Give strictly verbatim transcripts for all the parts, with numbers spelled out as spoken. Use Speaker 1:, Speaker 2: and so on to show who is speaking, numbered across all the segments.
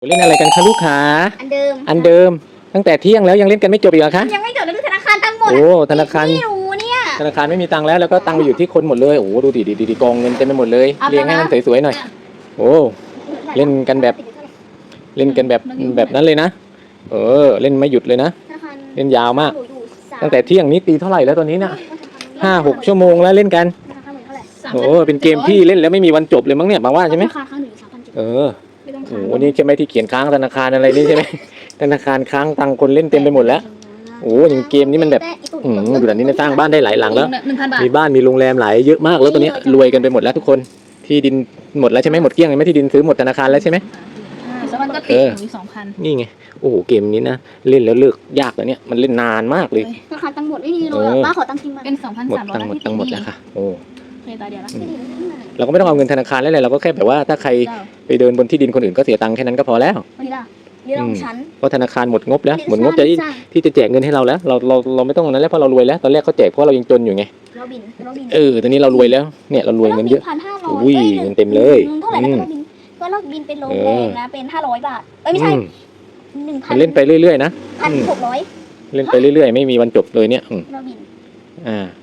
Speaker 1: เล่นอะไรกันคะลูกค้า
Speaker 2: อันเดิม
Speaker 1: อันเดิมตั้งแต่เที่ยงแล้วยังเล่นกันไม่จบอีกเหรอคะ
Speaker 2: ยังไม่จบเลยธนาคารตั้งหมด
Speaker 1: โอ้ธนาคาร
Speaker 2: ไม่รู้เนี่ย
Speaker 1: ธนาคารไม่มีตังค์แล้วแล้วก็ตังค์ไปอยู่ที่คนหมดเลยโอ้ดูดิดิดิกองเงินเต็มไปหมดเลยเรียงให้มันสวยๆหน่อยโอ้เล่นกันแบบเล่นกันแบบแบบนั้นเลยนะเออเล่นไม่หยุดเลยนะเล่นยาวมากตั้งแต่เที่ยงนี้ตีเท่าไหร่แล้วตอนนี้น่ะห้าหกชั่วโมงแล้วเล่นกันโอ้เป็นเกมที่เล่นแล้วไม่มีวันจบเลยมั้งเนี่ยมาว่าใช่ไหมเออโอ้นี่ใช่ไหมที่เขียนค้างธนาคารอะไรนี่ใช่ไหมธนาคารค้างตังค์คนเล่นเต็มไปหมดแล้วโอ้ยังเกมนี้มันแบบอืมดูแบบนี้สร้างบ้านได้หลายหลังแล้วมีบ้านมีโรงแรมหลายเยอะมากแล้วตอนนี้รวยกันไปหมดแล้วทุกคนที่ดินหมดแล้วใช่ไหมหมดเกลี้ยงเลยไหมที่ดินซื้อหมดธนาคารแล้วใช่ไหม
Speaker 3: แล้วมันก็ติดอยู่สองพัน
Speaker 1: นี่ไงโอ้โหเกมนี้นะเล่นแล้วเลิกยากแล้วเนี่ยมันเล่นนานมากเลย
Speaker 2: ธนาคารตั้งหมดไม่มีเลยป้าขอตั้งจริงมา
Speaker 3: เป็นสองพัน
Speaker 1: หมด
Speaker 3: สามร้อย
Speaker 1: ตั้งหมดตั้งหมดแล้วค่ะโอ้
Speaker 3: เคยตาเดียวแล้ว
Speaker 1: เราก็ไม่ต้องเอาเงินธนาคารแล้วเลยเราก็แค่แบบว่าถ้าใครไปเดินบนที่ดินคนอื่นก็เสียตังค์แค่นั้นก็พอแล้ว
Speaker 2: นี่ล่ะนี่เราชั้น
Speaker 1: เพราะธนาคารหมดงบแล้วหมดงบจะที่จะแจกเงินให้เราแล้วเราเราเราไม่ต้องนั้นแล้วเพราะเรารวยแล้วตอนแรกเขาแจกเพราะเรายังจนอยู่ไง
Speaker 2: เราบินเราบิน
Speaker 1: เออตอนนี้เรารวยแล้วเนี่ยเรารวยเงินเยอะอุ้ยเงินเต็มเลย
Speaker 2: เท่าไหร่นะเราบินก็เราบินเป็นโรงแรมนะเป็นห้าร้อยบาทเอ้ยไม่ใช่หนึ่งพัน
Speaker 1: เล่นไปเรื่อยๆนะ
Speaker 2: พันหกร้อย
Speaker 1: เล่นไปเรื่อยๆไม่มีวันจบเลยเนี่ย
Speaker 2: เราบิน
Speaker 1: อ่า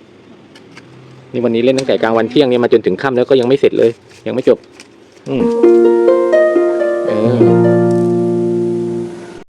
Speaker 1: นี่วันนี้เล่นตั้งแต่กลางวันเที่ยงเนี่ยมาจนถึงค่ำแล้วก็ยังไม่เสร็จเลยยังไม่จบอืม